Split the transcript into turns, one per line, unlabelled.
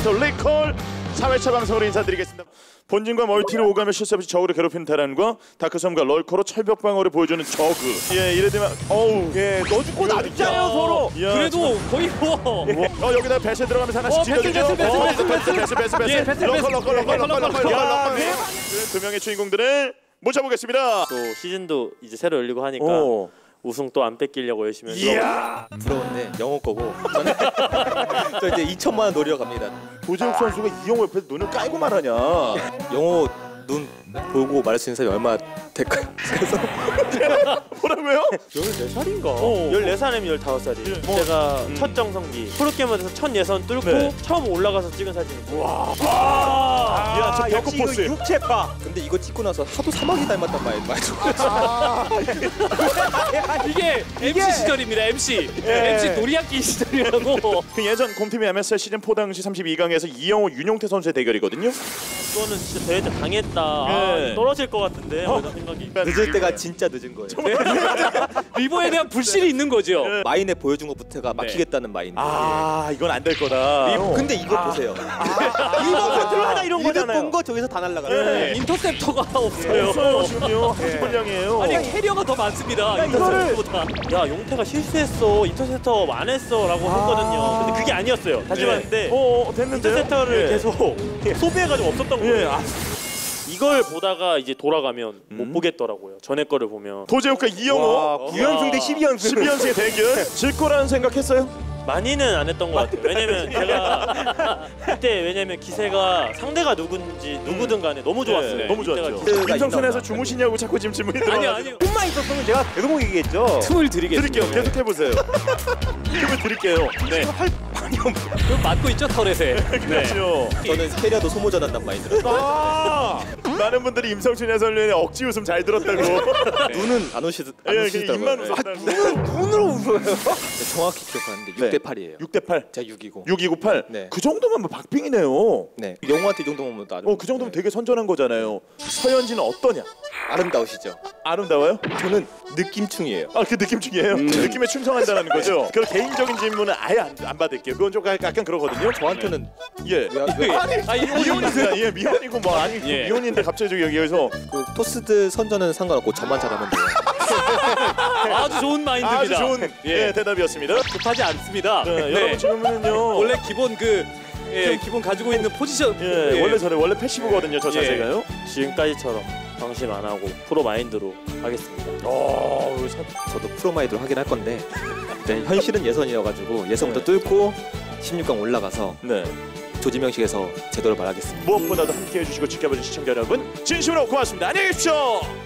아나운서 리콜 4회차 방송으로 인사드리겠습니다. 본진과 멀티를 오가며 실수 없이 저그를 괴롭히는 테란과 다크섬과 럴커로 철벽 방어를 보여주는 저그. 예, 이래 되면 어우, 예, 너 죽고 나 죽잖아요 서로. 야,
그래도 거의 뭐.
여기다 배스 들어가면서 하나씩 찔러주죠. 배스. 럭커. 두 명의 주인공들을 모셔보겠습니다.
또 시즌도 이제 새로 열리고 하니까 우승 또 안 뺏기려고 열심히
이야 부러운데 영호 거고 저는 저 이제 2천만 원 노리러 갑니다.
도재욱 선수가 이영호 옆에서 눈을 깔고 말하냐.
영호 눈 보고 말할 수 있는 사람이 얼마 될까요? 그래서
뭐라고요?
14살인가? 14살이면 15살이에요. 제가 첫 정성기 프로게이머에서 첫 예선 뚫고 처음 올라가서 찍은 사진이에요.
야, 저 배꼽 포스.
육체파. 근데 이거 찍고 나서 하도 사막이 닮았단 말이죠.
이게 MC 시절입니다. MC 놀이학기 시절이라고.
그 예전 곰팀이 MSL 시즌 4 당시 32강에서 이영호, 윤용태 선수의 대결이거든요.
이거는 진짜 대회 때 당했다. 떨어질 것 같은데 이런 생각이.
늦을 때가 진짜 늦은 거예요.
리버에 대한 불신이 있는 거죠.
마인에 보여준 것부터가 막히겠다는 마인.
이건 안 될 거다.
근데 이거 보세요.
이거 컨트롤 하나 이런 거잖아요.
본 거 저기서 다 날아가요.
인터셉터가 없어요.
지금요. 한지분량이에요.
아니 캐리어가 더 많습니다. 인터셉터보다. 야 용태가 실수했어. 인터셉터 안 했어라고 했거든요. 근데 그게 아니었어요. 다시 봤는데
됐는데요?
인터셉터를 계속 소비해가지고 없었던 거예요. 이걸 보다가 이제 돌아가면 못 보겠더라고요. 전에 거를 보면.
도재욱과 이영호
9연승 대 12연승.
12연승의 대결. 질 거라는 생각했어요?
많이는 안 했던 것 같아요. 왜냐면 제가 그때 기세가 상대가 누구든 간에 너무 좋았어요.
너무 좋았죠.
기세가
임성춘에서 주무시냐고 자꾸 지금 질문이 들어와요.
아니요.
꿈만 있었으면 제가 계속 얘기했죠.
틈을 드리겠습니다.
드릴게요. 계속 해보세요. 틈을 드릴게요. 네.
그럼 맞고 있죠 터렛에.
그렇죠.
저는 캐리어도 소모전한단 마인드로.
많은 분들이 임성춘 해설위원의 억지 웃음 잘 들었다고.
눈은 안 오시더라고요.
입만 웃었다고.
눈으로 웃어요. 정확히 기억하는데 6대 8이에요.
6대 8.
제가 6이고.
6298.
네.
그 정도면 뭐 박빙이네요.
네. 영호한테 이 정도면 나름.
그 정도면 되게 선전한 거잖아요. 서현진은 어떠냐?
아름다우시죠.
아름다워요?
저는 느낌충이에요.
그 느낌충이에요? 느낌에 충성한다는 거죠? 그런 개인적인 질문은 아예 안 받을게요. 그건 좀 약간 그러거든요.
저한테는
왜? 미혼이세요? 미혼이고 뭐 아니 미혼인데 갑자기 여기에서
그 토스드 선전은 상관없고 저만 잘하면 돼요.
아주 좋은 마인드입니다.
아주 좋은 대답이었습니다.
급하지 않습니다.
여러분 지금은요.
원래 기본 기본 가지고 있는 포지션
원래 패시브거든요. 저 자세가요.
지금까지처럼 방심 안 하고 프로 마인드로 하겠습니다.
저도 프로 마인드로 하긴 할 건데 현실은 예선이어가지고 예선부터 뚫고 16강 올라가서 조지명식에서 제대로 말하겠습니다.
무엇보다도 함께해 주시고 지켜봐 주신 시청자 여러분 진심으로 고맙습니다. 안녕히 계십시오.